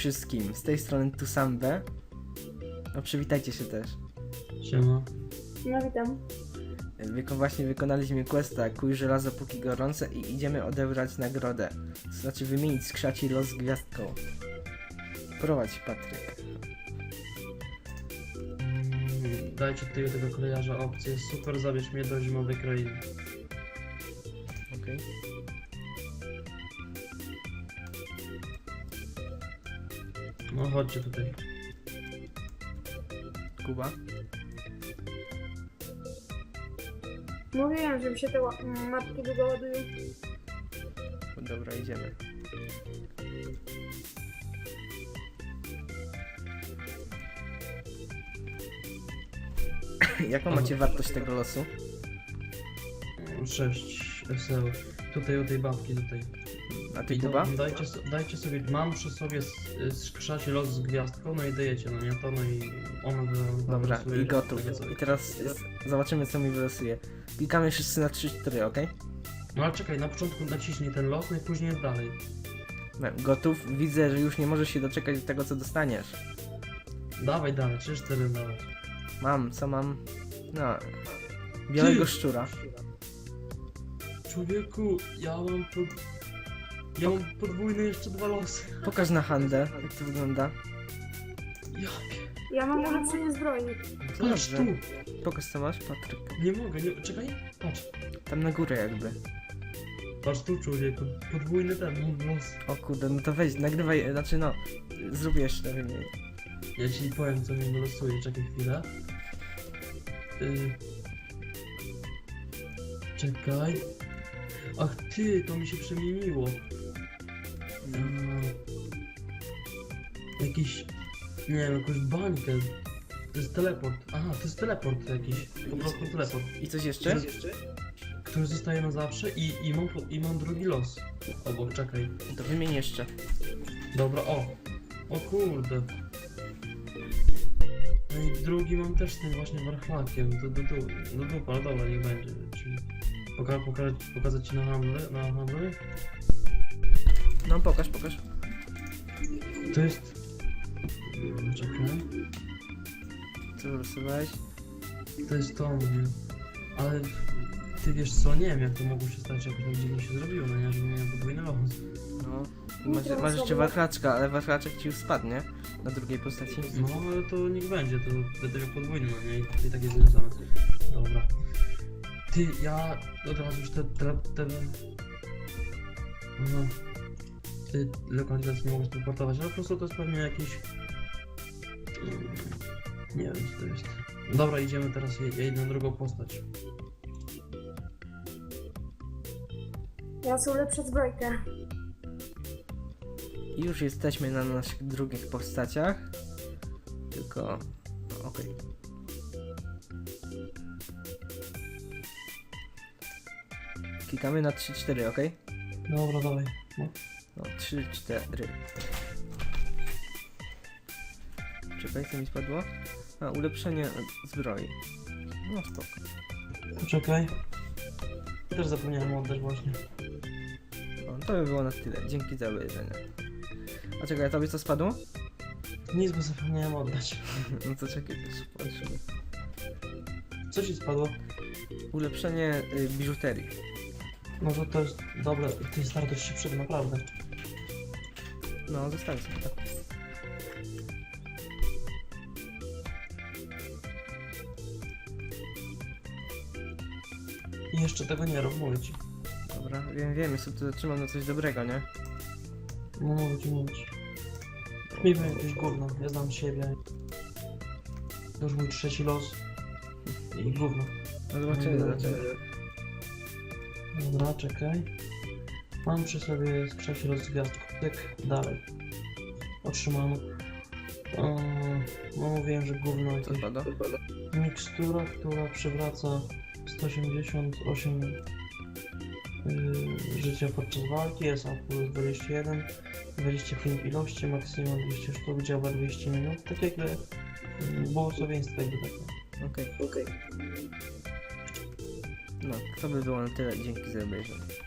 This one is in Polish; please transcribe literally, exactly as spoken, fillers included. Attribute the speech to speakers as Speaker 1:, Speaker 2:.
Speaker 1: wszystkim, z tej strony Tusambe. No przywitajcie się też.
Speaker 2: Siema.
Speaker 3: No witam.
Speaker 1: Wyko właśnie wykonaliśmy questa Kuj żelazo póki gorące i idziemy odebrać nagrodę. To znaczy wymienić skrzaci los z gwiazdką. Prowadź, Patryk.
Speaker 2: Mm, Dajcie tutaj tego kolejarza opcję. Super, zabierz mnie do zimowej krainy.
Speaker 1: Okej.
Speaker 2: No chodźcie tutaj.
Speaker 1: Kuba.
Speaker 3: Mówiłem, że mi się te ła- m, mapki długo ładują.
Speaker 1: Dobra, idziemy. Jaką macie wartość tego losu?
Speaker 2: sześć S L. Tutaj u tej babki tutaj.
Speaker 1: A ty,
Speaker 2: I to-
Speaker 1: Kuba?
Speaker 2: Dajcie, so- dajcie sobie, mam przy sobie skrzacie los z gwiazdką, no i dajecie, no nie to, no i ona wy-
Speaker 1: Dobra,
Speaker 2: wylosuje
Speaker 1: i gotów.
Speaker 2: takie coś.
Speaker 1: I teraz jest, zobaczymy, co mi wylosuje. Klikamy wszyscy na trzy cztery, ok?
Speaker 2: No ale czekaj, na początku naciśnij ten los, no i później jest dalej.
Speaker 1: Gotów. Widzę, że już nie możesz się doczekać do tego, co dostaniesz.
Speaker 2: Dawaj dalej, trzy cztery dalej.
Speaker 1: Mam, co mam? No. Białego
Speaker 2: Ty!
Speaker 1: szczura.
Speaker 2: Człowieku, ja mam pod... Ja mam podwójne jeszcze dwa losy.
Speaker 1: Pokaż na handel, jak to wygląda.
Speaker 2: Ja
Speaker 3: Ja mam ulepszenie zbroi.
Speaker 2: Patrz
Speaker 1: Dobrze.
Speaker 2: tu!
Speaker 1: Pokaż, co masz, Patryk.
Speaker 2: Nie mogę, nie... Czekaj, patrz.
Speaker 1: Tam na górę jakby.
Speaker 2: Patrz tu, człowieku. Podwójny ten, mam los.
Speaker 1: O kurde, no to weź, nagrywaj, znaczy no, zrób jeszcze wymień.
Speaker 2: Ja ci powiem, co mi wylosuje. Czekaj chwilę. Y... Czekaj. Ach ty, to mi się przemieniło. Mm. Jakiś... Nie wiem, jakąś bańkę. To jest teleport. Aha, to jest teleport jakiś. Po prostu teleport.
Speaker 1: I coś jeszcze?
Speaker 2: Który zostaje na zawsze i, i, mam, po- i mam drugi los. Obok, czekaj.
Speaker 1: To wymień jeszcze.
Speaker 2: Dobra, o. O kurde. No i drugi mam też z tym właśnie warchlakiem. Do, do, do, do dupa, ale dobra, niech będzie. Czyli poka poka pokazać ci na handle, na handle.
Speaker 1: No pokaż, pokaż.
Speaker 2: To jest... Mm, Czekaj.
Speaker 1: Co wylosowałeś?
Speaker 2: To jest to mnie. Ale ty wiesz co, nie wiem jak to mogło się stać, jak tak dziwnie się zrobiło, no nie, że miałem podwójny los.
Speaker 1: No. Masz, masz jeszcze wachlaczka, ale wachlaczek ci już spadnie na drugiej postaci.
Speaker 2: No ale to niech będzie, to będę miał podwójny, no nie, i tak jest związane. Dobra. Ty, ja od razu już te... te, te... No. Ty lokalizację nie mogę transportować, ale po prostu to jest pewnie jakiś... Mm, Nie wiem co to jest. Dobra, idziemy teraz, ja ja idę na drugą postać.
Speaker 3: Ja sobie ulepszę zbrojkę.
Speaker 1: I już jesteśmy na naszych drugich postaciach. Tylko... No, okej. Klikamy na trzy cztery, ok?
Speaker 2: Dobra, dawaj. No.
Speaker 1: No, trzy cztery. Czekaj, co mi spadło? A, ulepszenie zbroi. No spoko.
Speaker 2: Poczekaj. Też zapomniałem oddać właśnie.
Speaker 1: No, to by było na tyle. Dzięki za obejrzenie. A czekaj, a tobie co spadło?
Speaker 2: Nic, bo zapomniałem oddać.
Speaker 1: No to czekaj, też patrzymy.
Speaker 2: Co ci spadło?
Speaker 1: Ulepszenie y, biżuterii.
Speaker 2: Może to jest dobre, ty stary, to ci się przyda, naprawdę.
Speaker 1: No, zostawię sobie to.
Speaker 2: I jeszcze tego nie rób, mówię ci.
Speaker 1: Dobra, wiem, wiem, jeszcze tu zatrzymam na coś dobrego, nie?
Speaker 2: No mówię ci, mówię ci. Mi by jakieś gówno, ja znam siebie. To już mój trzeci los. I gówno.
Speaker 1: No zobaczymy, zobaczymy.
Speaker 2: Dobra, czekaj. Mam przy sobie skrzeci los z gwiazdką. Tyk, dalej. Otrzymam. Eee, no mówiłem, że gówno
Speaker 1: Co
Speaker 2: jakieś.
Speaker 1: spadło?
Speaker 2: Mikstura, która przywraca sto osiemdziesiąt osiem yy, życia podczas walki, S A plus dwadzieścia jeden, dwadzieścia pięć ilości, maksimum dwieście sztuk, działa dwieście minut, tak jak yy, błogosławieństwo jakby takie.
Speaker 1: Okej. No, to by było na tyle. Dzięki za obejrzenie.